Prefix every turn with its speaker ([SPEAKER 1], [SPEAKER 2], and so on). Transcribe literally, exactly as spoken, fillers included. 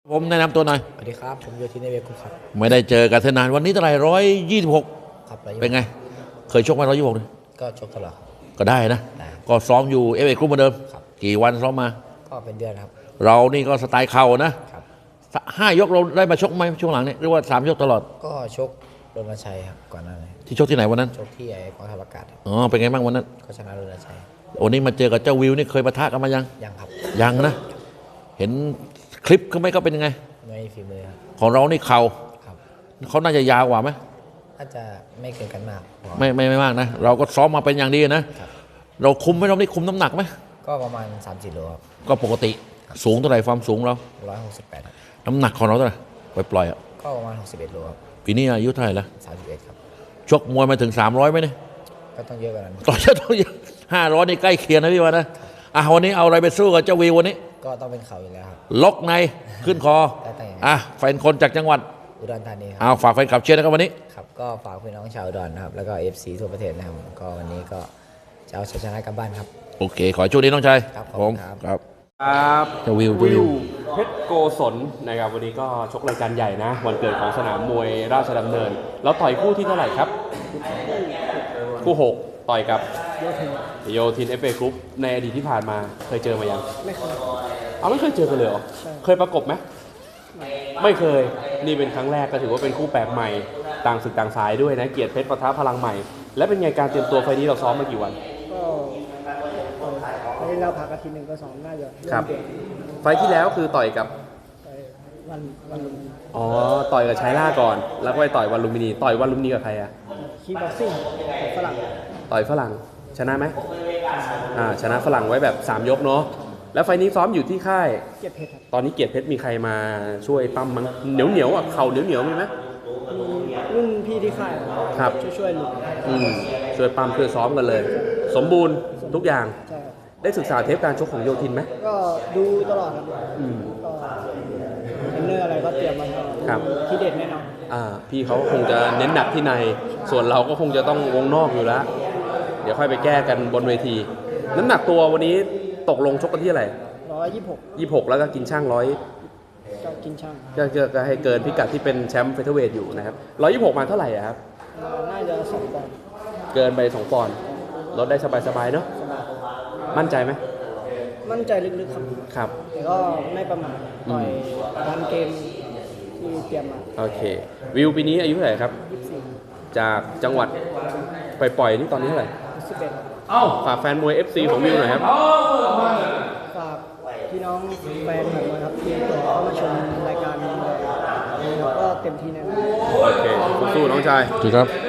[SPEAKER 1] ผมแนะนำตัวหน่อย
[SPEAKER 2] สวัสดีครับผมโยธินในเวกุครับ
[SPEAKER 1] ไม่ได้เจอกันนานวันนี้เท่าไหร่ร้อยยี่สิบหก
[SPEAKER 2] ครับ
[SPEAKER 1] เป็นไงเคยชกไหมร้อยยี่สิบหก
[SPEAKER 2] ก็ชกตลอด
[SPEAKER 1] ก็ได้นะก็ซ้อมอยู่เอฟเอกรุ๊ปเหมือนเดิมกี่วันซ้อมมา
[SPEAKER 2] ก็เป็นเดือนครับ
[SPEAKER 1] เรานี่ก็สไตล์เข่านะครับห้ายกเราได้มาชกไหมช่วงหลังนี้หรือว่าสามยกตลอด
[SPEAKER 2] ก็ชกรณชัยครับก่อนหน้านี้
[SPEAKER 1] ที่ชกที่ไหนวันนั้น
[SPEAKER 2] ชกที่ไอ้กองทัพอากาศ
[SPEAKER 1] อ๋อเป็นไงบ้างวันนั้น
[SPEAKER 2] ก็ชนะรณชัย
[SPEAKER 1] วันนี้มาเจอกับเจ้าวิวนี่เคยปะทะกันมายัง
[SPEAKER 2] ยังครับ
[SPEAKER 1] ยังนะเห็นคลิปเขาไหมเขาเป็นยังไง
[SPEAKER 2] ไม่ฝีมือครับ
[SPEAKER 1] ของเรานี่เข่าเขาน่าจะยาวกว่าไหม
[SPEAKER 2] น่าจะไม่เกินกันมาก
[SPEAKER 1] ไม่ไม่ไม่มากนะเราก็ซ้อมมาเป็นอย่างดีนะเราคุมไหมเราได้คุมน้ำหนักไหม
[SPEAKER 2] ก็ประมาณสามสิบโลครับ
[SPEAKER 1] ก็ปกติสูงเท่าไหร่ความสูงเรา
[SPEAKER 2] ร้อยหกสิบแปด
[SPEAKER 1] น้ำหนักของเราเท่าไหร่ปล่อยปล่อยอ่ะ
[SPEAKER 2] ก็ประมาณหกสิบเอ็ดโลครับ
[SPEAKER 1] ปีนี้อายุเท่าไหร่ละ
[SPEAKER 2] สามสิบเอ็ดครับ
[SPEAKER 1] ชกมวยมาถึงสามร้อยไหมเนี่ย
[SPEAKER 2] ก็ต้องเยอะกว่านั้น
[SPEAKER 1] ต่อจะต้องเยอะห้าร้อยนี่ใกล้เคียงนะพี่วะนะอ่ะวันนี้เอาอะไรไปสู้กับเจ้าวีวันนี้
[SPEAKER 2] ก็ต้องเป็นเข่าอยู่แล้วครับ
[SPEAKER 1] ล็อกในขึ้นคออ่ะแฟนคนจากจังหวัด
[SPEAKER 2] อุดรธานีครับ
[SPEAKER 1] เอาฝากแฟนคลับเชียร์นะครับวันนี้
[SPEAKER 2] ครับก็ฝากพี่น้องชาวอุดรนะครับแล้วก็เอฟซีทั่วประเทศนะครับก็วันนี้ก็จะเอาชัยชนะกลับบ้านครับ
[SPEAKER 1] โอเคขอโชคดีน้องชาย
[SPEAKER 2] ครับ
[SPEAKER 1] ผม
[SPEAKER 2] ครับ
[SPEAKER 1] ครับ
[SPEAKER 3] เจ้าวิววิวเพชรโกศลนะครับวันนี้ก็ชกรายการใหญ่นะวันเกิดของสนามมวยราชดำเนินแล้วต่อยคู่ที่เท่าไหร่ครับคู่หกต่อยกับโยธินเอฟเอกรุ๊ปในอดีตที่ผ่านมาเคยเจอมายัง
[SPEAKER 4] ไม่เคย
[SPEAKER 3] เอาไม่เคยเจอกันเลยเหรอเคยประกบไหมไม่เคยนี่เป็นครั้งแรกก็ถือว่าเป็นคู่แปลกใหม่ต่างศึกต่างสายด้วยนะเกียรติเพชรปะทะพลังใหม่และเป็นไงการเตรียมตัวไฟนี้เราซ้อมมากี่วัน
[SPEAKER 4] ก็ไฟที่เราพักอาทิตย์หนึ่งก็ซ้อมน่าจะ
[SPEAKER 3] ครับไฟที่แล้วคือต่อยกับ
[SPEAKER 4] วันวันลุมพินี
[SPEAKER 3] อ๋อต่อยกับชัยล่าก่อนแล้วก็ไปต่อยวันลุมพินีต่อยวันลุมพินีกับใครอะ
[SPEAKER 4] คีบ็อกซิ่งฝรั่ง
[SPEAKER 3] ต่อยฝรั่งชนะไหมอ่าชนะฝรั่งไว้แบบสามยกเนาะแล้วไฟนี้ซ้อมอยู่ที่ค่าย
[SPEAKER 4] เกียรติเพชร
[SPEAKER 3] ตอนนี้เกียรติเพชรมีใครมาช่วยปั้มมั้งเหนียวเหนียวอ่ะเข่าเหนียวเหนียวมีไหม
[SPEAKER 4] มีรุ่นพี่ที่ค่าย
[SPEAKER 3] ครับ
[SPEAKER 4] ช่วยช่วยลุง
[SPEAKER 3] อืมช่วยปั้มช่วยซ้อมกันเลยสมบูรณ์ทุกอย่าง
[SPEAKER 4] ใช่
[SPEAKER 3] ได้ศึกษาเทปการชกของโยธินไหม
[SPEAKER 4] ก็ดูตลอดครับอืมก็เทรนเนอร์อะไรก็เตรียมมา
[SPEAKER 3] ครับ
[SPEAKER 4] ที่เด็ดแน่นอน
[SPEAKER 3] อ่าพี่เขาคงจะเน้นหนักที่ในส่วนเราก็คงจะต้องวงนอกอยู่แล้วเดี๋ยวค่อยไปแก้กันบนเวทีน้ำหนักตัววันนี้ตกลงชกกันที่อะไร
[SPEAKER 4] ร้อยยี่สิบหก
[SPEAKER 3] ยี่สิบหกแล้วก็กินช่างร้อย
[SPEAKER 4] ก็กินช่าง
[SPEAKER 3] ก็ก็ให้เกินพิกัดที่เป็นแชมป์เฟเธอร์เวทอยู่นะครับร้อยยี่สิบหกมาเท่าไหร่ครับ
[SPEAKER 4] น่าจะสองปอนด์
[SPEAKER 3] เกินไปสองปอนด์ลดได้สบายๆเนาะมั่นใจไหม
[SPEAKER 4] มั่นใจลึกๆครับ
[SPEAKER 3] ครับ
[SPEAKER 4] แต่ก็ไม่ประมาทต่อยตามเกมที่เตรียมมา
[SPEAKER 3] โอเควิวปีนี้อายุเท่าไหร่ครับ
[SPEAKER 4] ยี่สิบสี่
[SPEAKER 3] จากจังหวัดไปปล่อยนี่ตอนนี้เท่าไหร่
[SPEAKER 4] สิบเอ็ด
[SPEAKER 3] เอ้าฝากแฟนมวย เอฟ ซี ของวิวหน่อยครับ
[SPEAKER 4] ฝากพี่น้องแฟนมวยครับที่เข้ามาชมรายการนี้แล้วก็เต็มที่แน่นอน
[SPEAKER 3] โอเคสู้ๆน้องชาย
[SPEAKER 1] ครับ